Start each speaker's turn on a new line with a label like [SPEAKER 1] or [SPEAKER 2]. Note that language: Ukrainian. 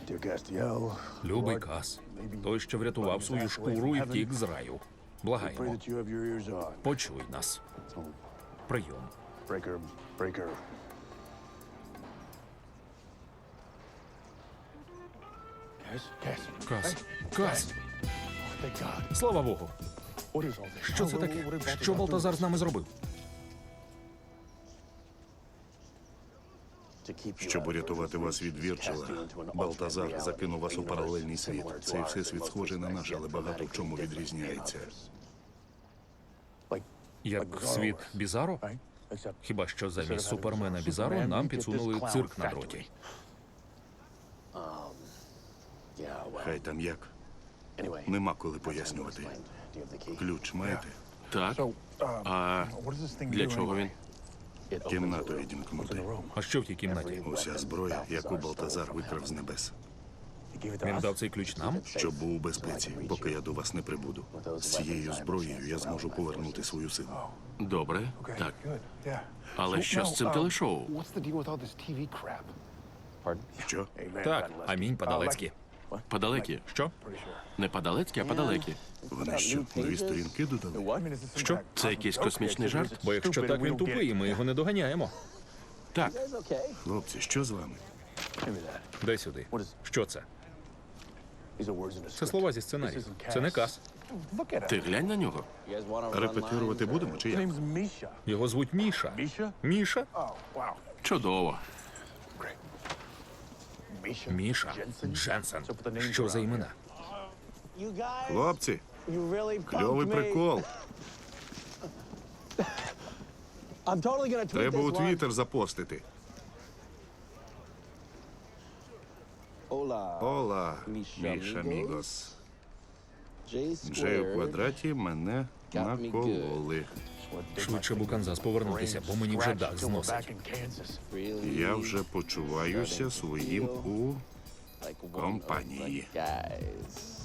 [SPEAKER 1] Любий Кас, той, що врятував свою шкуру і втік з раю. Благаємо, почуй нас. Прийом. Кас, Кас, слава Богу. Що це таке? Що Балтазар з нами зробив?
[SPEAKER 2] Щоб урятувати вас від Вірчила, Балтазар закинув вас у паралельний світ. Цей всесвіт схожий на наш, але багато в чому відрізняється.
[SPEAKER 1] Як світ Бізаро? Хіба що замість Супермена Бізаро нам підсунули цирк на дроті.
[SPEAKER 2] Хай там як. Нема коли пояснювати. Ключ маєте?
[SPEAKER 3] Так. А для чого він?
[SPEAKER 2] Кімнату відімкнути.
[SPEAKER 1] А що в тій кімнаті?
[SPEAKER 2] Уся зброя, яку Балтазар викрав з небес.
[SPEAKER 1] Він дав цей ключ нам?
[SPEAKER 2] Щоб був у безпеці, поки я до вас не прибуду. З цією зброєю я зможу повернути свою силу.
[SPEAKER 3] Добре, так. Але що з цим телешоу?
[SPEAKER 2] Що?
[SPEAKER 1] Так, амінь по-далецьки.
[SPEAKER 3] Падалекі.
[SPEAKER 1] Що?
[SPEAKER 3] Не падалецькі, а падалекі.
[SPEAKER 2] Вони що, нові сторінки додали?
[SPEAKER 1] Що?
[SPEAKER 3] Це якийсь космічний жарт?
[SPEAKER 1] Бо якщо так, він тупий, і ми його не доганяємо.
[SPEAKER 3] Так.
[SPEAKER 2] Хлопці, що з вами?
[SPEAKER 1] Дай сюди. Що це? Це слова зі сценарію. Це не Кас.
[SPEAKER 3] Ти глянь на нього.
[SPEAKER 2] Репетирувати будемо чи як?
[SPEAKER 1] Його звуть Міша. Міша?
[SPEAKER 3] Чудово.
[SPEAKER 1] Міша Дженсен. Що за імена?
[SPEAKER 2] Хлопці, кльовий прикол. Треба у Твіттер запостити. Ола, Міша Мігос. Джей у квадраті мене накололи.
[SPEAKER 1] Швидше б у Канзас повернутися, бо мені вже дах зносить.
[SPEAKER 2] Я вже почуваюся своїм у компанії.
[SPEAKER 4] Guys.